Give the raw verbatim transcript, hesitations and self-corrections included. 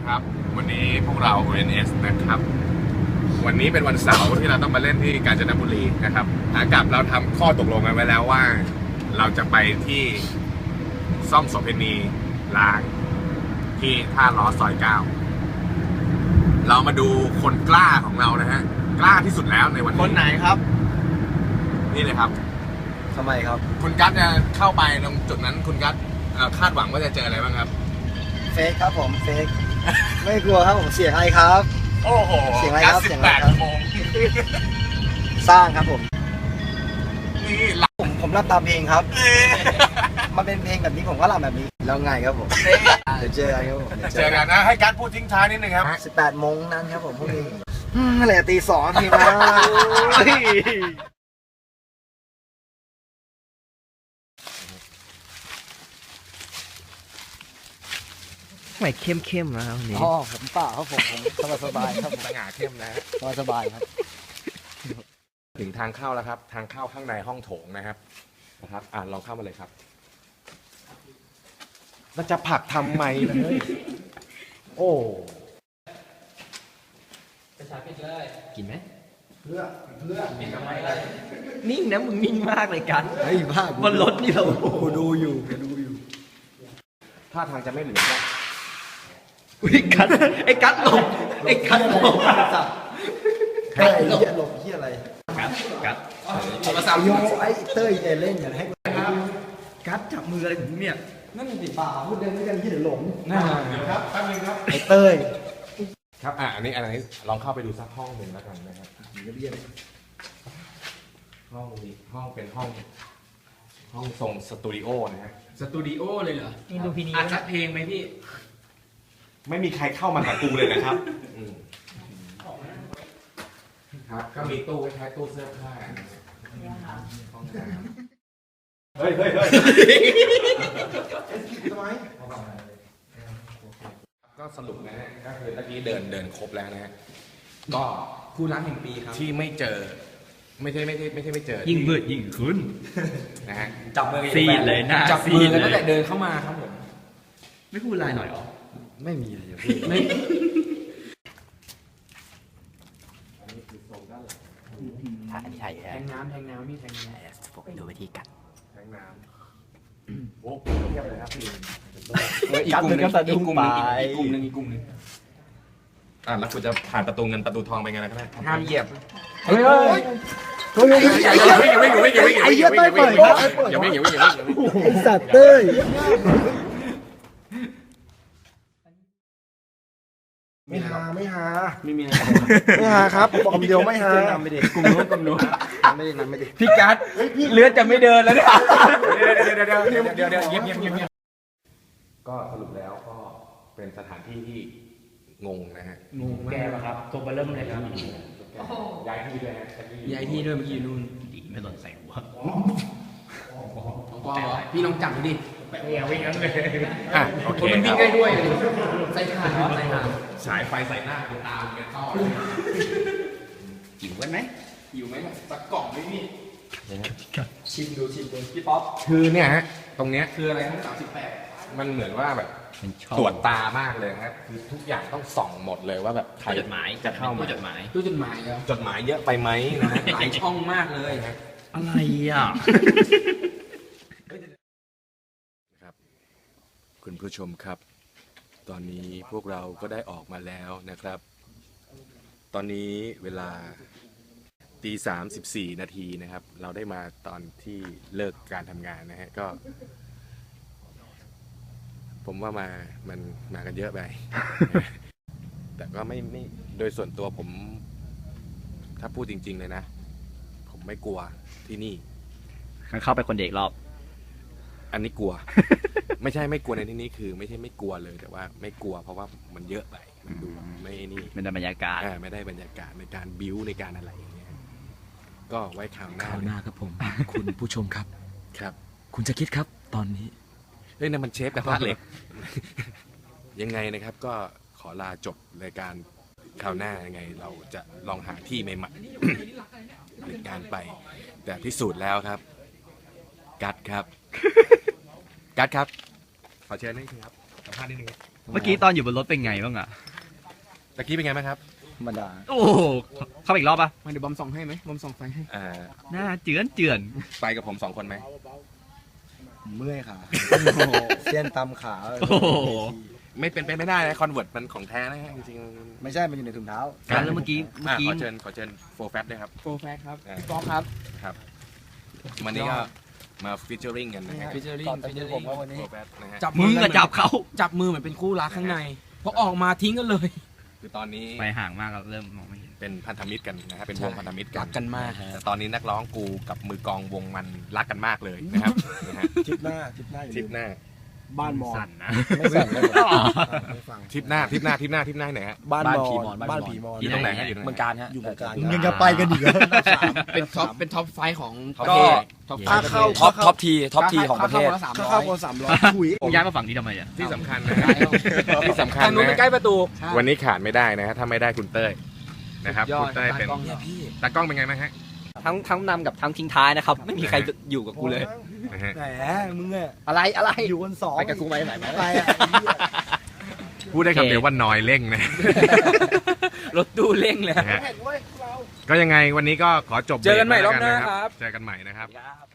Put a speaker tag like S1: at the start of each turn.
S1: ครับวันนี้พวกเรา โอ เอ็น เอส นะครับวันนี้เป็นวันเสาร์ที่เราต้องมาเล่นที่กาญจนบุรีนะครับขากลับเราทำข้อตกลงกันไว้แล้วว่าเราจะไปที่ซ่อมโสเภณีล้างที่ท่าล้อซอยเก้าเรามาดูคนกล้าของเรานะฮะกล้าที่สุดแล้วในวันนี้
S2: คนไหนครับ
S1: นี่เลยครับ
S2: ทำไมครับ
S1: คุณกั๊ดจะเข้าไปตรงจุดนั้นคุณกั๊ดคาดหวังว่าจะเจออะไรบ้างครับ
S2: เฟกครับผมเฟกไม่กลัวครับผมเสียงอะไรครับ
S1: โอ้โห
S2: เสียงอะไรครับ
S1: เสียงอะไรครับ
S2: สร้างครับผม
S1: นี่
S2: ผมผมรับตามเพลงครับมันเป็นเพลงแบบนี้ผมก็รับแบบนี้แล้วไงครับผมเดี๋ยวเจอกันครับผม
S1: เจอกันนะให้กั๊ดพูดทิ้งท้ายนิดนึงครับ
S2: สิบแปดโมงนั้นครับผมพรุ่งนี้อะไรตีสองทีมา
S3: ไม่เข้มเข้มนะวันนี้
S2: อ๋อผมเปล่าครับผมผมสบายสบายครับ
S1: สง่าเข้มนะ
S2: สบายสบายครับ
S1: ถึงทางเข้าแล้วครับทางเข้าข้างในห้องโถงนะครับนะครับอ่าลองเข้ามาเลยครับแล้วจะผลักทำไมเลยโอ้
S3: ไปชาปิดเลยกินไหม
S2: เพื่อเพื่อ
S3: มีทำไมเลยนิ่งนะมึงนิ่งมากเลยกัน
S2: เฮ้ยบ้า
S3: บนรถนี่เรา
S2: กูดูอยู่กูดูอยู่
S1: ท่าทางจะไม่เหลือแล้ว
S3: อุ้ยกัดไอ้กัดหลบไอ้กัดหลบ
S2: สับไอ้เหี้ยหลบเหี้ยอะไร
S3: กัดกัด
S2: โทรศัพท์โยไอ้เต้ยเล่นอย่าให้
S3: กัดจับมืออะไรผมเนี่ย
S2: นั่นติดป่าพูดเดินด้วยกันที่เดี๋ยวหลง
S1: น่าครับแป๊บนึงครับ
S2: ไอ้เต้ย
S1: ครับอ่ะอันนี้อันนี้ลองเข้าไปดูสักห้องหนึ่งแล้วกันนะครับ
S2: เรียบ
S1: ห้องนี้ห้องเป็นห้องห้องทรงสตูดิโอนะฮะ
S3: สตูดิโอเลยเหรอนี่ดูพี่นี่อัดสักเพลงไหมพี่
S1: ไม่มีใครเข้ามากับกูเลยนะครับครับก็มีตู้คล้ายๆตู้เสื้อผ้าเฮ้ยเฮ้ยเฮ้ยทำไมก็สรุปนะฮะก็คือตะกี้เดินเดินครบแล้วนะฮะก็
S3: คู่รักแห่งปีครับ
S1: ที่ไม่เจอไม่ใช่ไม่ใช่ไม่ใช่ไม่เจอ
S3: ยิ่งมืดยิ่งขึ้น
S1: นะฮะ
S3: จับมือซีเลยนะ
S1: จับมือกันตั้งแต่เดินเข้ามาครับผม
S3: ไม่พูดอะไรหน่อยหรอ
S2: ไม่มีอะไรอยู่พี่
S3: ไม่
S2: ถ่ายถ่าย
S3: แทงน้ำแทงน้ำนี่แทงน้
S2: ำผมดูวิธีกัด
S1: แทงน้ำโอ้โหเทียบเลยครับพี่
S3: อีกกลุ่มนึงอีกกลุ่มนึงอีกกลุ่มนึงอีกกลุ่มนึง
S1: อ่ะแล้วคุณจะผ่านประตูเงินประตูทองไปไงล่ะครับ
S3: ห้ามเหยียบ
S2: เฮ้ยเฮ้ย
S1: อย่าอย่าวิ่งอย่าวิ่งอย่าวิ่งอย่าวิ่งอย่าวิ่งอย่าวิ่งอย่าวิ่งอย่าวิ่งอย่าวิ่งอย่าวิ่ง
S2: ไอ้สัตว์เต้ยไม่หาไม่หา
S3: ไม่มีอะไร
S2: ไม่หาครับบอกคำเดียวไม่หาน
S3: ำไปดิกลุ่มนู้นกลุ่มนู้น
S2: ไม่ได้นำไม่ได้
S3: พี่กั๊ดเลือดจะไม่เดินแล้วเนี่ย
S1: เดี๋ยวเดี๋ยวเดี๋ยวเดี๋ยวเดี๋ยวเงียบเงียบเงียบเงียบก็สรุปแล้วก็เป็นสถานที่ที่งงนะฮะ
S3: งงแก้ป่ะครับตัวเบลเริ่มเลยครับ
S1: ย้ายที่ด้วยฮะ
S3: ย้ายที่ด้วยเมื่อกี้นู่นดีไม่สนใส่หัวพี่ลองจับดูดิไม่เอาวิ่งงั้นเลย
S1: อ่ะโอเค
S3: มันวิ่งได้ด้วยใส่ขาใส่ขา
S1: ฉายไฟใส่หน้าตาแกต้อ
S3: หิวกันไหม
S1: หิวไหมสักกล่องไหมพี่
S3: ชิมดูชิมดูพี่ป๊อป
S1: คือเนี่ยฮะตรงเนี้ย
S3: คืออะไรทั้งสามสิบแปด
S1: มันเหมือนว่าแบบตรวจตามากเลยครับคือทุกอย่างต้องส่องหมดเลยว่าแบบใคร
S3: จดหมาย
S1: จะเข้ามา
S3: จดหมายตู้จดหมายครับ
S1: จดหมายเยอะไปไหมนะฮะ
S3: หลายช่องมากเลยครับอะไรอ่ะ
S1: ครับคุณผู้ชมครับตอนนี้พวกเราก็ได้ออกมาแล้วนะครับตอนนี้เวลาตีสามสิบสี่นาทีนะครับเราได้มาตอนที่เลิกการทำงานนะฮะก็ผมว่ามามันมากันเยอะไป แต่ก็ไม่ไม่โดยส่วนตัวผมถ้าพูดจริงๆเลยนะผมไม่กลัวที่นี่
S3: เข้าไปคนเด็กรอบ
S1: อันนี้กลัว ไม่ใช่ไม่กลัวในที่นี้คือไม่ใช่ไม่กลัวเลยแต่ว่าไม่กลัวเพราะว่ามันเยอะไปมันดูไม่นี่
S3: ไม่ได้บรรยากาศ
S1: ไม่ได้บรรยากาศในการบิ้วในการอะไรอย่างเงี้ยก็ไว้ข่าวหน้า
S4: ข่าวหน้าครับผมคุณผู้ชมครับ
S1: ครับ
S4: คุณจะคิดครับตอนนี้
S1: เฮ้ยนั่นมันเชฟกระทะเหล็กยังไงนะครับก็ขอลาจบรายการข่าวหน้ายังไงเราจะลองหาที่ใหม่ๆในการไปแต่พิสูจน์แล้วครับกัดครับกัดครับขอเชิญนิดนึงครับสัมภาษณ์นิดนึง
S3: เมื่อกี้ตอนอยู่บนรถเป็นไงบ้างอะ
S1: ตะกี้เป็นไงบ้างครับ
S2: ธรรมดา
S3: โอ้โหเข้าไปอีกรอบปะ
S5: มาเดี๋ยวบอมส่องให้ไหมบอมส่องไฟให้
S1: อ่า
S3: หน้าเจือนเจือน
S1: ไปกับผมสองคนไหม
S2: เมื่อยขาเส้นตำขา
S3: โอ้โห
S1: ไม่เป็นไปไม่ได้นะคอนเวิร์ตมันของแท้นะฮะจริงๆ
S2: ไม่ใช่มันอยู่ในถุงเท้า
S3: การแล้วเมื่อกี้เมื่อ
S1: อ่ะ
S3: กี้
S1: ขอเชิญขอเชิญโฟร์แฟตด้วยครับ
S5: โฟร์แฟกครับ
S1: อ่า
S5: กอล์ฟครับ
S1: ครับวันนี้ก็มาฟิชเจอริงกันนะฮะ
S5: ฟิชเจอริ่ง
S2: ก่อนจะดูผมว่าวันนี้
S1: โฟร์แฟตนะฮะ
S5: จับ
S3: มึง
S5: กั
S3: อะ
S5: น
S3: จับเขา
S5: จับมือเหมือนเป็นคู่รักข้างในพอออกมาทิ้งกันเลย
S1: คือตอนนี้
S3: ไปห่างมากแล้วเริ่มมองไม่เห็น
S1: เป็นพันธมิตรกันนะฮะเป็นวงพันธมิตรกั
S5: รั
S1: น
S5: กกันมาก
S1: แต่ตอนนี้นักร้องกูกับมือกลองวงมันรักกันมากเลยนะครับนะฮะ
S2: ทริปหน้าทริปหน้าอยู่
S1: ทริปหน้า
S2: บ้านมอ
S3: สั่นนะ
S2: ไม่สั่นเลยไม่ฟัง
S1: ทริปหน้าทริปหน้าทริปหน้าทริปหน้าไหนฮะ
S2: บ้าน
S6: บ้าน
S2: มอ
S6: ผีมอน
S2: บ้านผีมอน
S1: อยู่ตรงไหนฮะอยู่ตรงไหน
S6: เมืองการฮะ
S2: อยู่เมืองการ
S6: แต่
S2: ยังจะไปกันอีกเหรอ
S5: เป็นท็อปเป็นท็อปไฟว์ของ
S1: ก็
S5: ท็อปไฟ
S2: ค่า
S5: ว์
S2: เข้า
S6: ท็อปท็อปทีท็อปทีของประเทศ
S5: สาม
S2: ค่า
S5: ร้อ
S2: เข้าย คนสามร้อยคุย
S3: มึงย้ายมาฝั่งนี้ทำไมอะ
S1: ที่สำคัญนะฮะที่สำคัญ
S5: ทางนู้น
S1: นะ
S5: เป็นใกล้ประตู
S1: วันนี้ขาดไม่ได้นะฮะถ้าไม่ได้คุณเต้ยนะครับ
S5: ยอ
S1: คุ
S5: ด
S1: ณเต้ยเป็น
S5: ตากล้อง
S6: เนี่ยพี่
S1: ตากล้องเป็นไงบ้างฮะ
S6: ทั้งทั้งนำกับทั้งทิ้งท้ายนะครับ ไม่มีใครอยู่กับกูเลย
S1: นะฮะ
S2: แหมมึงอะ
S6: อะไรอะไร
S2: อยู่คนสอง
S6: ไปกับกูไหมไหนไหม
S2: ไปอะไอ้เหี้ย
S1: พูดได้คำเดียวว่าน้อยเร่งนะ
S6: รถตู้เร่งเลย
S1: นะฮะก็ยังไงวันนี้ก็ขอจบ
S5: เจอกันใหม่
S1: เบร
S5: รอบ
S1: แล้ว
S5: หน้า
S1: ะ
S5: ครับ
S1: เจอกันใหม่นะครับ
S6: ครับ